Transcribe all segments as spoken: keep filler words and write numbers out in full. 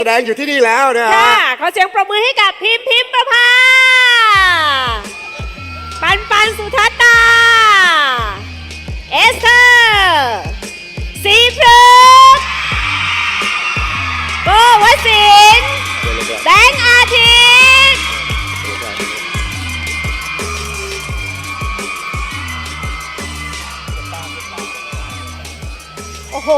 แสดงอยู่ที่นี่แล้วนะฮะค่ะขอเสียงปรบมือให้กับพิมพ์พิมพ์ประภาปันปันสุทัตตาเอสเธอร์สีพฤกษ์โกวสินทร์แบงค์อาทิตย์โอ้โห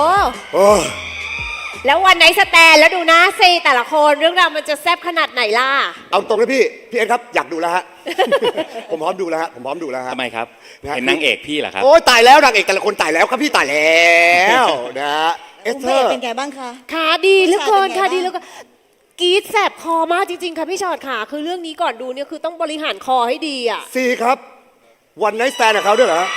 แล้ววันไหนสแตนแล้วดูนะซีแต่ละคนเรื่องราวมันจะแซ่บขนาดไหนล่ะเอาตรงนะพี่พี่เอ็นครับอยากดูแล้วฮะ ผมพร้อมดูแล้วฮะผมพร้อมดูแล้วฮะทำไมครับเห็นนางเอกพี่เหรอครับโอ้ยตายแล้วนางเอกแต่ละคนตายแล้วครับพี่ตายแล้วนะฮะเอสเธอร์เป็นไงบ้างคะขาดีเหลือเกินค่ะดีเหลือเกินกรี๊ดแสบคอมากจริงๆค่ะพี่ชอดค่ะคือเรื่องนี้ก่อนดูเนี่ยคือต้องบริหารคอให้ดีอ่ะซีครับวันไนท์สแตนกับเขาด้วยเหรอ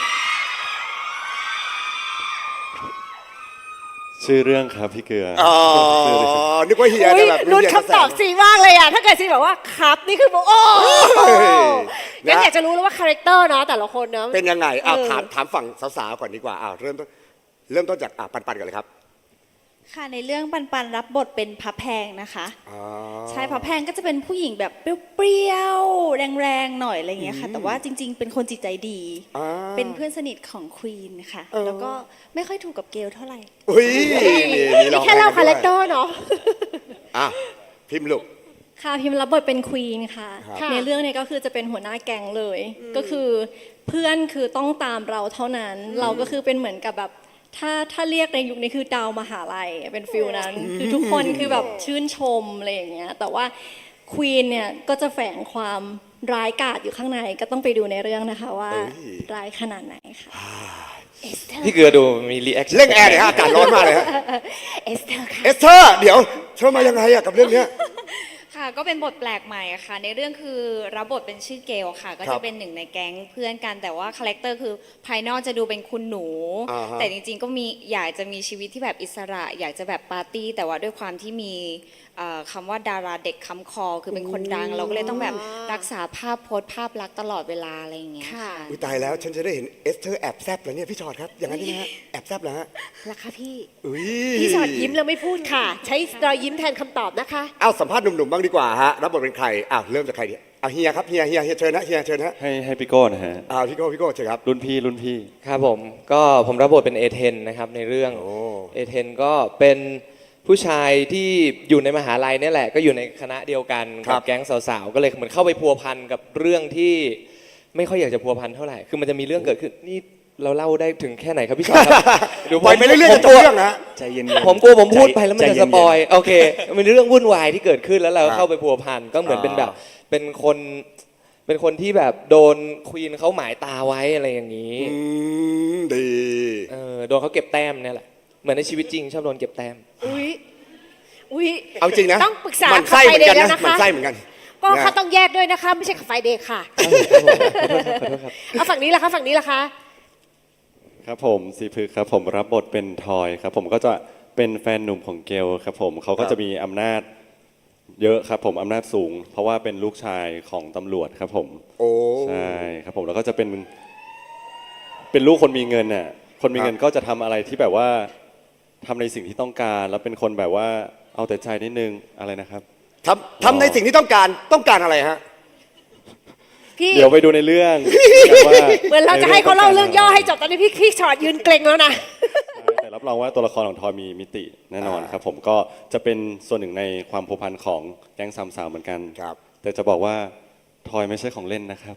ชื่อเรื่องครับพี่เกลืออ๋อนึกว่าเฮียจะแบบรุ่นคำตอบซีมากเลยอ่ะถ้าเกิดซีบอกว่าครับนี่คือบอกโอ้งั้นอยากจะรู้แล้วว่าคาแรคเตอร์เนาะแต่ละคนเนาะเป็นยังไงอ้าวถามถามฝั่งสาวๆก่อนดีกว่าอ้าวเริ่มต้นเริ่มต้นจากอ่ะปันปันก่อนเลยครับค่ะในเรื่องปันปันรับบทเป็นพระแพงนะคะใช่พระแพงก็จะเป็นผู้หญิงแบบเปรี้ยวๆแรงๆหน่อยอะไรอย่างเงี้ยค่ะแต่ว่าจริงๆเป็นคนจิตใจดีเป็นเพื่อนสนิทของควีนค่ะแล้วก็ไม่ค่อยถูกกับเกลเท่าไหร่อุ้ยนี่แค่เล่าคาแรคเตอร์เนาะอ่ะพิมพ์ลูกค่ะพิมพ์รับบทเป็นควีนค่ะในเรื่องนี้ก็คือจะเป็นหัวหน้าแก๊งเลยก็คือเพื่อนคือต้องตามเราเท่านั้นเราก็คือเป็นเหมือนกับแบบถ้าถ้าเรียกในยุคนี้คือดาวมหาลัยเป็นฟิลนั้นคือทุกคนคือแบบชื่นชมอะไรอย่างเงี้ยแต่ว่าควีนเนี่ยก็จะแฝงความร้ายกาจอยู่ข้างในก็ต้องไปดูในเรื่องนะคะว่าร้ายขนาดไหนค่ะพี่เกลือดูมีรีแอคชั่นเร่งแอร์เลยฮะอากาศร้อนมากเลยฮะเอสเธอร์ค่ะเอสเธอร์เดี๋ยวเธอมายังไงอะกับเรื่องเนี้ยค่ะก็เป็นบทแปลกใหม่ค่ะในเรื่องคือรับบทเป็นชื่อเกลค่ะก็จะเป็นหนึ่งในแก๊งเพื่อนกันแต่ว่าคาแรคเตอร์คือภายนอกจะดูเป็นคุณหนูแต่จริงๆก็มีอยากจะมีชีวิตที่แบบอิสระอยากจะแบบปาร์ตี้แต่ว่าด้วยความที่มีคำว่าดาราเด็กคำคอคือเป็นคนดังเราก็เลยต้องแบบรักษาภาพโพสภาพลักษณ์ตลอดเวลาอะไรอย่างเงี้ยค่ะอุ้ยตายแล้วฉันจะได้เห็นเอสเธอร์แอบแซบแล้วเนี่ยพี่ชอดครับอย่างนั้นใช่ไหมฮะแอบแซบแล้วฮะราคาพี่อุ้ยพี่ชอดยิ้มแล้วไม่พูดค่ะใช้รอยยิ้มแทนคำตอบนะคะเอาสัมภาษณ์หนุ่มๆบ้างดีกว่าฮะรับบทเป็นใครอ้าวเริ่มจากใครดีเอาเฮียครับเฮียเฮียเฮียเชิญนะเฮียเชิญนะให้ให้พี่โก้นะฮะอ่าพี่โก้พี่โก้เชิญครับรุ่นพี่รุ่นพี่ครับผมก็ผมรับบทเป็นเอเทนนะครับในเรื่องเอเทนก็เป็นผู้ชายที่อยู่ในมหาลัยนี่แหละก็อยู่ในคณะเดียวกันกับแก๊งสาวๆก็เลยเหมือนเข้าไปพัวพันกับเรื่องที่ไม่ค่อยอยากจะพัวพันเท่าไหร่คือมันจะมีเรื่องเกิดขึ้นนี่เราเล่าได้ถึงแค่ไหนครับพี่ชอตครับดูไปไม่เรื่อยๆจะจบเรื่องนะใจเย็นๆผมกลัวผมพูดไปแล้วมันจะสปอยโอเคมันเรื่องวุ่นวายที่เกิดขึ้นแล้วเราเข้าไปพัวพันก็เหมือนเป็นแบบเป็นคนเป็นคนที่แบบโดนควีนเขาหมายตาไว้อะไรอย่างนี้ดีเออโดนเขาเก็บแต้มเนี่ยแหละเหมือนในชีวิตจริงชอบโดนเก็บแต้มอุ้ยอุ้ยเอาจริงนะต้องปรึกษามันไส้เหมือนกันนะมันไส้เหมือนกันก็เขาต้องแยกด้วยนะคะไม่ใช่ขับไฟเดย์ค่ะเอาฝั่งนี้ละคะฝั่งนี้ละคะครับผมสีพึกครับผมรับบทเป็นทอยครับผมก็จะเป็นแฟนหนุ่มของเกลครับผมเขาก็จะมีอำนาจเยอะครับผมอำนาจสูงเพราะว่าเป็นลูกชายของตำรวจครับผมโอ้ใช่ครับผมแล้วก็จะเป็นเป็นลูกคนมีเงินน่ะคนมีเงินก็จะทำอะไรที่แบบว่าทำในสิ่งที่ต้องการแล้วเป็นคนแบบว่าเอาแต่ใจนิดนึงอะไรนะครับทำทำในสิ่งที่ต้องการต้องการอะไรฮะเดี๋ยวไปดูในเรื่องเหมือนเราจะให้เขาเล่าเรื่องย่อให้จบตอนนี้พี่พี่ชอตยืนเกรงแล้วนะแต่รับรองว่าตัวละครของทอยมีมิติแน่นอนครับผมก็จะเป็นส่วนหนึ่งในความผูกพันของแก๊งสามสาวเหมือนกันครับแต่จะบอกว่าทอยไม่ใช่ของเล่นนะครับ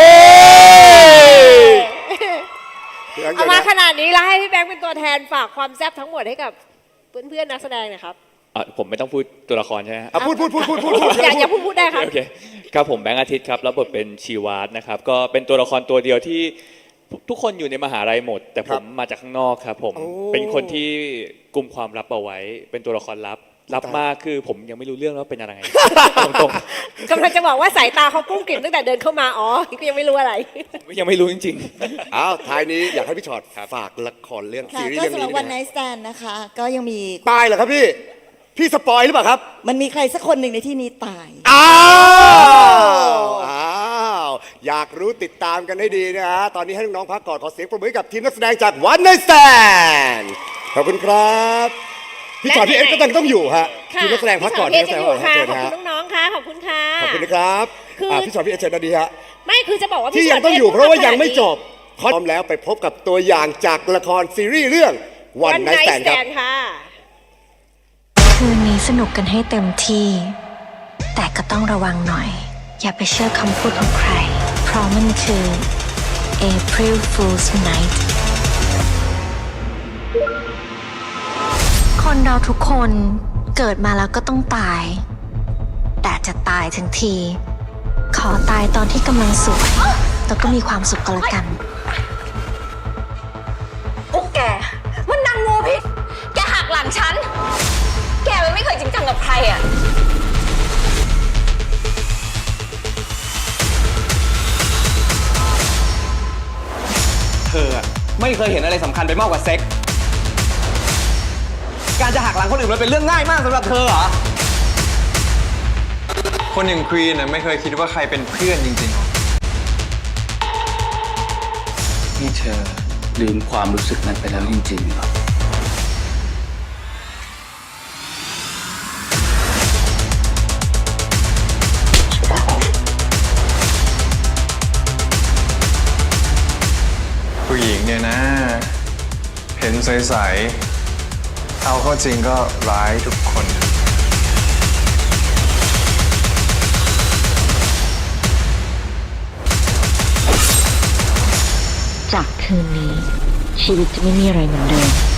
เอามาขนาดนี้แล้วให้พี่แบงค์เป็นตัวแทนฝากความแซ่บทั้งหมดให้กับเพื่อนๆนักแสดงนะครับผมไม่ต้องพูดตัวละครใช่ไหมครับพูดพูดพูดพูดพูดอย่าอย่าพูดพูดได้ครับโอเคครับผมแบงค์อาทิตย์ครับรับบทเป็นชีวาสนะครับก็เป็นตัวละครตัวเดียวที่ทุกคนอยู่ในมหาลัยหมดแต่ผมมาจากข้างนอกครับผมเป็นคนที่กุมความลับเอาไว้เป็นตัวละครลับลับมากคือผมยังไม่รู้เรื่องว่าเป็นอะไรตรงๆกำลังจะบอกว่าสายตาเขากุ้งกิ่มตั้งแต่เดินเข้ามาอ๋อก็ยังไม่รู้อะไรยังไม่รู้จริงๆอ้าวท้ายนี้อยากให้พี่ชอตฝากละครเรื่องซีรีส์เรื่องนี้ก็สำหรับวันไนท์สแตนนะคะก็ยังมีตายเหรอครับพี่พี่สปอยหรือเปล่าครับมันมีใครสักคนหนึ่งในที่นี้ตายอ้าวอ้าวอยากรู้ติดตามกันให้ดีนะฮะตอนนี้ให้น้องๆพักก่อนขอเสียงปรบมือให้กับทีมนักแสดงจากวันไนท์สแตนขอบคุณครับพี่ชอตพี่เอสก็ต้องต้องอยู่ฮะค่ะทีมนักแสดงพักก่อนพี่ทีชมอนัตกแสพี่ดงเอสพักจะอยู่ค่ะขอบเชิญฮะคุณน้องๆค่ะขอบคุณค่ะขอบคุณนะครับคืออ่ะพี่ชอตพี่เอสเชิญนาดีฮะไม่คือจะบอกว่าที่พี่ยังต้องอยู่เพราะว่ายังไม่จบพร้อมแล้วไปพบกับตัวอย่างจากละครซีรีส์เรื่องวันวันไนไนท์ท์แตแตนครับนค่ะคืนนี้สนุกกันให้เต็มที่ แต่ก็ต้องระวังหน่อย อย่าไปเชื่อคำพูดของใคร เพราะมันคือ April Fool's Night คนเราทุกคนเกิดมาแล้วก็ต้องตาย แต่จะตายทั้งที ขอตายตอนที่กำลังสวยแล้วก็มีความสุขก็แล้วกันพวกแก มันนางงูพิษ แกหักหลังฉัน แกมันไม่เคยจริงจังกับใครอ่ะเธออะไม่เคยเห็นอะไรสำคัญไปมากกว่าเซ็ก การจะหักหลังคนอื่นมันเป็นเรื่องง่ายมากสำหรับเธอเหรอคนอย่างควีนนะไม่เคยคิดว่าใครเป็นเพื่อนจริงๆหรอนี่เธอลืมความรู้สึกนั้นไปแล้วจริงๆเหรอผู้หญิงเนี่ยนะ เห็นใสๆเอาเข้าจริงก็ร้ายทุกคนจากคืนนี้ ชีวิตจะไม่มีอะไรเหมือนเดิม